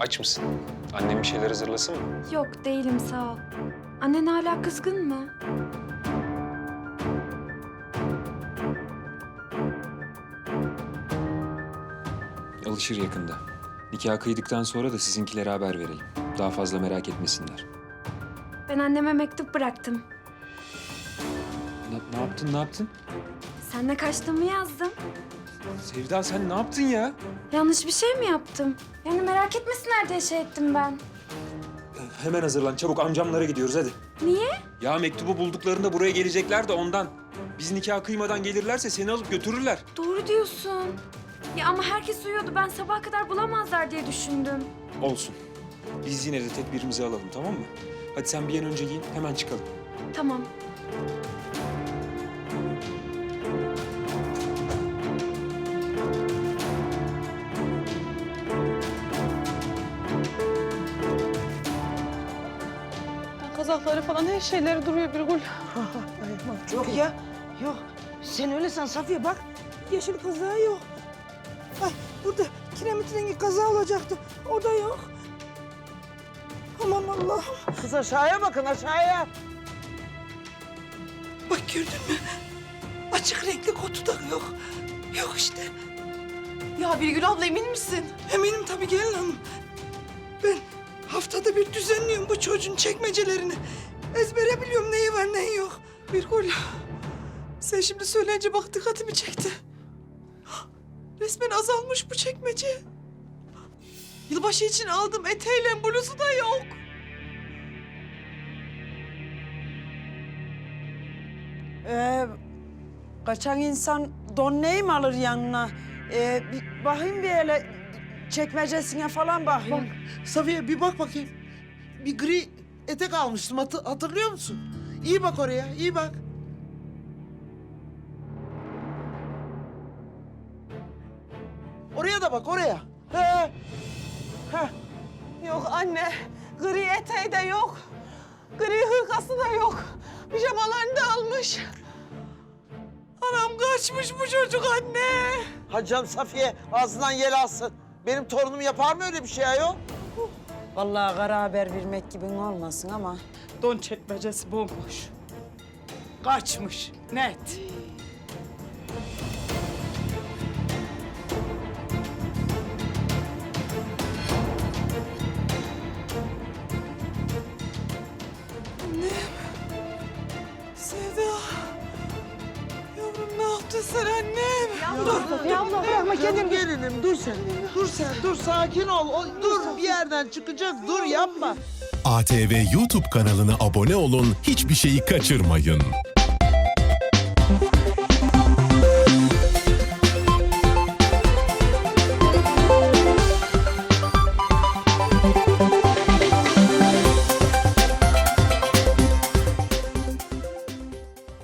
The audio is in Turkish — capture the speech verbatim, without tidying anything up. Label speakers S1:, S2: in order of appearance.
S1: Aç mısın? Annem bir şeyler hazırlasın mı?
S2: Yok değilim sağ ol. Annen hala kızgın mı?
S1: Alışır yakında. Nikah kıydıktan sonra da sizinkilere haber verelim. Daha fazla merak etmesinler.
S2: Ben anneme mektup bıraktım.
S1: Ne, ne yaptın, ne yaptın?
S2: Seninle kaçtığımı yazdım.
S1: Sevda sen ne yaptın ya?
S2: Yanlış bir şey mi yaptım? Yani merak etmesinler diye şey ettim ben.
S1: Hemen hazırlan, çabuk amcamlara gidiyoruz hadi.
S2: Niye?
S1: Ya mektubu bulduklarında buraya gelecekler de ondan. Biz nikah kıymadan gelirlerse seni alıp götürürler.
S2: Doğru diyorsun. Ya ama herkes uyuyordu. Ben sabaha kadar bulamazlar diye düşündüm.
S1: Olsun. Biz yine de tedbirimizi alalım, tamam mı? Hadi sen bir an önce giyin, hemen çıkalım.
S2: Tamam.
S3: Kazakları falan her şeyleri duruyor Birgül.
S4: Yok ya, yok. Sen öyle san Safiye bak. Yeşil kazağı yok. Ay burada kiremit rengi kazağı olacaktı. O da yok. Aman Allah'ım.
S5: Kız aşağıya bakın aşağıya.
S4: Bak gördün mü? Açık renkli kotu da yok. Yok işte.
S3: Ya Birgül abla emin misin?
S4: Eminim tabii gelin hanım. Ben haftada bir düzenliyorum bu çocuğun çekmecelerini. Ezbere biliyorum neyi var neyi yok. Birgül, sen şimdi söyleyince bak dikkatimi çekti. Resmen azalmış bu çekmece. Yılbaşı için aldığım eteğiyle bluzu da yok.
S5: Ee, kaçan insan don neyi mi alır yanına? Ee, bir bakayım bir hele çekmecesine falan bakayım.
S6: Safiye bir bak bakayım. Bir gri etek almıştım hatı- hatırlıyor musun? İyi bak oraya, iyi bak. Oraya da bak oraya. He. He.
S3: Yok anne. Gri eteği de yok. Gri hırkası da yok. Pijamalarını da almış.
S4: Anam kaçmış bu çocuk anne.
S6: Hadi canım Safiye ağzından yel alsın. Benim torunum yapar mı öyle bir şey ayol?
S5: Vallahi kara haber vermek gibi olmasın ama
S4: Don çekmecesi bomboş. Kaçmış net. Annem. Sevda. Yavrum ne yaptın sen annem?
S6: Dur,
S3: Ya abla bırakma
S6: Canım gelinim dur sen. Dur sen, dur sakin ol. O, dur bir yerden çıkacak, dur yapma.
S7: A T V YouTube kanalına abone olun, hiçbir şeyi kaçırmayın.